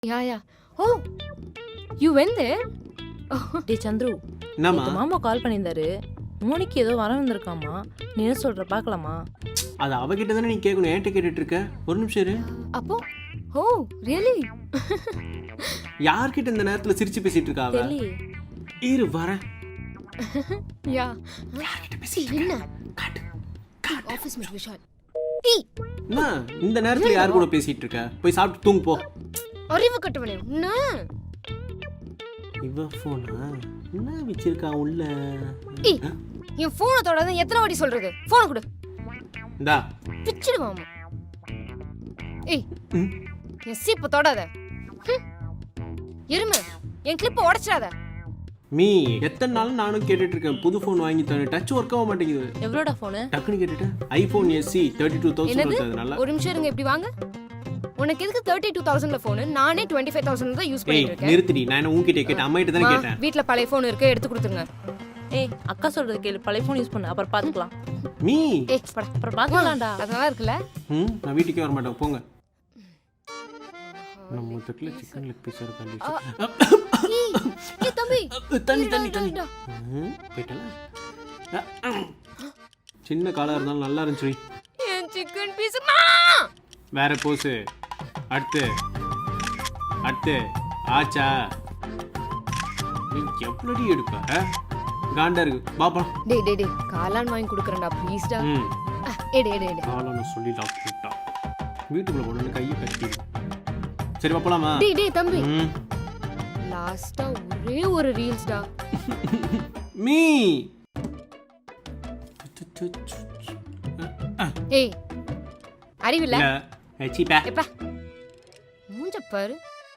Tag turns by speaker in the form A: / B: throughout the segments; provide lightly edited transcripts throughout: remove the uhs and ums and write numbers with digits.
A: Yeah. Oh, you went there?
B: டே சந்துரு,
C: என்னம்மா
B: நேத்து மாமா கால் பண்ணியிருந்தாரு. மோனிக்கு ஏதோ வர வந்திருக்காமா. நீ என்ன சொல்ற பார்க்கலாமா?
C: அது அவகிட்ட தானே நீ கேட்கணும், ஏன்ட்ட கேட்டுட்டு இருக்க? ஒரு நிமிஷம் இரு.
A: அப்போ oh really?
C: யார்கிட்ட இந்த நேரத்துல சிரிச்சு பேசிட்டு இருக்கா அவ?
B: தெரியலையே.
C: இரு வரேன்.
A: Yeah.
C: யார்கிட்ட
A: See,
C: பேசிட்டு இருக்க?
A: என்ன
C: காட்டு.
A: Office mate Vishal.
C: என்ன இந்த நேரத்துல யார் கூட பேசிட்டு இருக்க? போய் சாப்பிட்டு தூங்கு போ.
A: அறிவு கட்டவனே என்ன?
C: இவ போனா என்ன வச்சிருக்கா உள்ள?
A: என் போனை தொடாத எத்தனை வாட்டி சொல்றது? போனை கொடு.
C: இந்தா.
A: பிச்சிடுவாமா. என் சீப்பை தொடாத. எருமை, என் கிளிப்பை உடைச்சிடாத.
C: மீ எத்தனை நாள் நானும் கேட்டுட்டு இருக்கேன் புது ஃபோன் வாங்கி தரேன், டச் ஒர்க் ஆக மாட்டேங்குது.
B: எவ்வளோடா ஃபோனு?
C: டக்குன்னு கேட்டுட்டேன். ஐபோன் SE 32,000 வருதுனால.
A: ஒரு நிமிஷம் இருங்க, இப்படி வாங்க. உனக்கு எதுக்கு 32,000ல ஃபோன்? நானே 25,000 தான் யூஸ் பண்ணிட்டு இருக்கேன்.
C: நிறுத்திடி, நான் என்ன உன்கிட்ட கேட்டேன், அம்மாயிட்ட தானே கேட்டேன்.
A: வீட்ல பழைய ஃபோன் இருக்கு, எடுத்து கொடுத்துருங்க.
B: அக்கா சொல்றது கேளு, பழைய ஃபோன் யூஸ் பண்ணு, அப்புறம் பார்த்துக்கலாம்.
C: மீ
A: படா.
B: அப்புறம் பார்த்துக்கலாம்டா.
A: அது நல்லா இருக்குல்ல?
C: நான் வீட்டுக்கே வர மாட்டேன், போங்க. நம்ம தட்டுல சிக்கன் லெக் பீஸ் இருக்கு.
A: தம்பி
C: தண்ணி போயிட்டல. சின்ன காலா இருந்தாலும் நல்லா இருந்துச்சு.
A: என் சிக்கன் பீஸ்
C: வேற போஸ். அடுத்து ஆச்சா நீ எப்படி எடுப்ப? காண்டா இருக்கு பாப்பா.
A: டேய் காளான் வாங்கி குடுக்கறேன்டா ப்ளீஸ்டா. எடு
C: காளான் சொல்லி டாக்டர் வீட்டுக்குள்ள போன கையை கட்டி. சரி பாப்பலாமா?
A: டேய் தம்பி, லாஸ்டா ஒரே ஒரு ரீல்ஸ்டா.
C: மீ
A: ஏய் அறிவில்ல?
C: சீப்பா
A: எப்பா மூஞ்ச பாரு.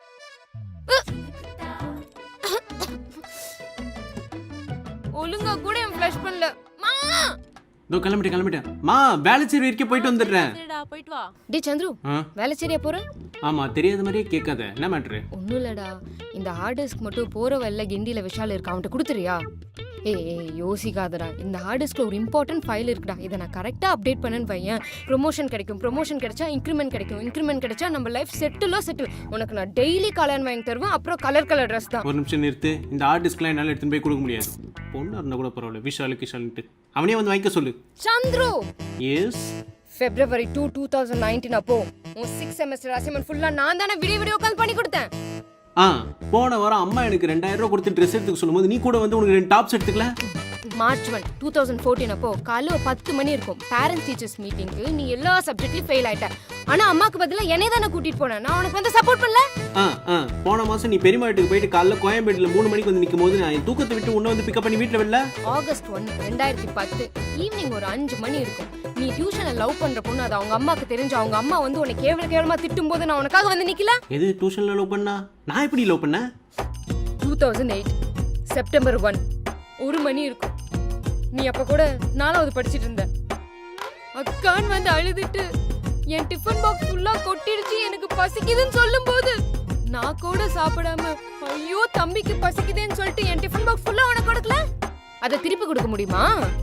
A: ஒழுங்கா கூட என் ஃப்ளஷ் பண்ணல. மா
C: தோ கிளம்பிட்டேன். மா வேலைச்சேரி வரைக்கும் போயிட்டு வந்துடுறேன்.
B: சரிடா, போயிட்டு வா.
A: டேய் சந்துரு, வேலை சரியா போற?
C: ஆமா, தெரியாத மாதிரியே கேட்காத. என்ன மேட்ரு?
A: ஒன்றும் இல்லடா, இந்த ஹார்ட் டிஸ்க் மட்டும் போகிற வழியில் கிண்டியில் விஷால் இருக்கா, அவன்கிட்ட கொடுத்துறியா? ஏய் யோசிக்காதடா, இந்த ஹார்ட் டிஸ்கில் ஒரு இம்பார்ட்டன்ட் ஃபைல் இருக்குடா, இதை நான் கரெக்டாக அப்டேட் பண்ணேன்னு வையன், ப்ரொமோஷன் கிடைச்சா இன்க்ரிமெண்ட் கிடைச்சா நம்ம லைஃப் செட்டில். உனக்கு நான் டெய்லி கல்யாணம் வாங்கி தருவேன், அப்புறம் கலர் ட்ரெஸ் தான்.
C: ஒரு நிமிஷம் நிறுத்து. இந்த ஹார்ட் டிஸ்க்லாம் என்னால் எடுத்துன்னு போய் கொடுக்க முடியாது. பொண்ணு இருந்தால் கூட பரவாயில்ல, விஷாலுக்கு அவனே வந்து வாங்கிக்க சொல்லு.
A: சந்துரு,
C: எஸ்
A: February 2, 2019 அப்போ உன் 6 செமஸ்டர் அசைன்மெண்ட் ஃபுல்லா நான் தானே வீடியோ கால் பண்ணி கொடுத்தேன்.
C: போன வாரம் அம்மா எனக்கு 2,000 ரூபாய் கொடுத்து ட்ரெஸ் எடுத்துக்க சொல்லும்போது நீ கூட வந்து உனக்கு 2 டாப்ஸ் எடுத்துக்கல.
A: March 1, 2014 அப்போ காலைல 10 மணி இருக்கும், பேரண்ட்ஸ் டீச்சர்ஸ் மீட்டிங்க்கு நீ எல்லா சப்ஜெக்ட்லயும் ஃபெயில் ஆயிட்ட. ஆனா அம்மாக்கு பதிலா என்னை தானே கூட்டிட்டு போனேன், நான் உனக்கு வந்து சப்போர்ட் பண்ணல.
C: போன மாசம் நீ பெரியம்மா வீட்டுக்கு போயிட்டு காலைல கோயம்பேடுல 3 மணிக்கு வந்து நிற்கும் போது நான் தூக்கத்தை விட்டு உன்னை வந்து பிக்கப் பண்ணி வீட்டுல வரல.
A: August 1, 2010 ஈவினிங் ஒரு 5 மணி இருக்கும், நீ டியூஷனை லவ் பண்ற பொண்ணு அது அவங்க அம்மாக்கு தெரிஞ்சு அவங்க அம்மா வந்து உன்னை கேவலமா திட்டும் போது நான் உனக்காக வந்து நிக்கல.
C: எது டியூஷன்ல லவ் பண்ணா? நான் எப்படி லவ் பண்ண?
A: 2008 செப்டம்பர் 1 1 மணி இருக்கும், நீ அப்ப கூட 4வது படிச்சிட்டு இருந்த. அக்கான் வந்து அழுதுட்டு என் டிஃபன் பாக்ஸ் ஃபுல்லா கொட்டிடுச்சு, எனக்கு பசிக்குதுன்னு சொல்லும் போது நான் கூட சாப்பிடாம ஐயோ தம்பிக்கு பசிக்குதுன்னு சொல்லிட்டு என் டிஃபன் பாக்ஸ் ஃபுல்லா உனக்கு கொடுக்கல. அதை திருப்பி கொடுக்க முடியுமா?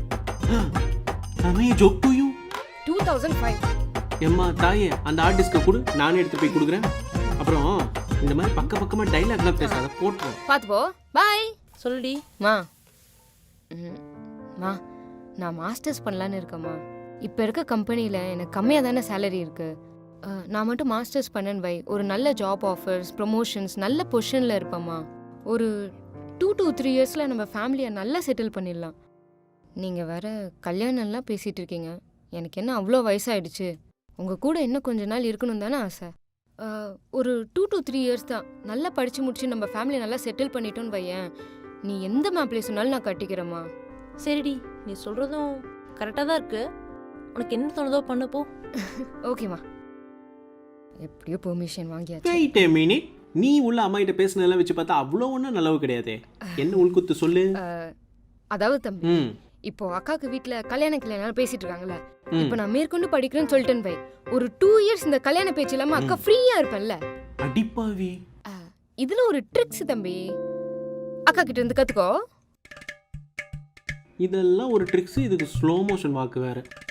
C: I joke to you.
A: 2005
C: எம்மா தாயே, அந்த ஹார்ட் டிஸ்கை கொடு, நானே எடுத்து போய் கொடுக்குறேன். அப்புறம் இந்த மாதிரி பக்கமா டைலாக்லாம் பேசாத, போட்டுரும்.
A: பாத்து போ. பாய்.
B: சொல்லுடி.
A: மா நான் மாஸ்டர்ஸ் பண்ணலான்னு இருக்கேம்மா. இப்போ இருக்க கம்பெனியில் எனக்கு கம்மியாக தானே சேலரி இருக்குது. நான் மட்டும் மாஸ்டர்ஸ் பண்ணேன்னு வை, ஒரு நல்ல ஜாப் ஆஃபர்ஸ், ப்ரொமோஷன்ஸ், நல்ல பொசிஷனில் இருப்பேம்மா. ஒரு 2 to 3 இயர்ஸில் நம்ம ஃபேமிலியை நல்லா செட்டில் பண்ணிடலாம். நீங்கள் வேற கல்யாணம்லாம் பேசிகிட்டு இருக்கீங்க, எனக்கு என்ன அவ்வளோ வயசாகிடுச்சு, உங்கள் கூட இன்னும் கொஞ்ச நாள் இருக்கணும் தானே ஆசை. ஒரு 2 to 3 இயர்ஸ் தான், நல்லா படித்து முடிச்சு நம்ம ஃபேமிலியை நல்லா செட்டில் பண்ணிட்டோன்னு வையேன், நீ எந்த மாப்பிள்ளை சொன்னாலும் நான் கட்டிக்கிறேம்மா.
B: சரிடி, நீ சொல்றதும் கரெக்டாக தான் இருக்கு. உனக்கு என்ன தோணுதோ பண்ணு போ.
A: ஓகேம்மா, எப்படியோ பெர்மிஷன் வாங்கியாச்சு.
C: Wait a minute. நீ உள்ள அம்மா கிட்ட பேசினதெல்லாம் வச்சு பார்த்தா அவ்வளோ ஒன்றும் நல்லவு கிடையாது. என்ன உள்குத்து சொல்லு.
A: அதாவது தம்பி, இப்போ அக்காக்கு வீட்டுல கல்யாணம் பேசிட்டு இருக்காங்கல்ல, இப்போ நான் மேற்கொண்டு படிக்கிறேன்னு சொல்லிட்டேன் பை, ஒரு 2 இயர்ஸ் இந்த கல்யாண பேச்சு இல்லாம அக்கா ஃப்ரீயா இருப்பேன்ல.
C: அடிப்பாவி,
A: இதுல ஒரு ட்ரிக்ஸ் தம்பி, அக்கா கிட்ட இருந்து கத்துக்கோ.
C: இதெல்லாம் ஒரு ட்ரிக்ஸ், இதுக்கு ஸ்லோ மோஷன் வாக்கு வேற.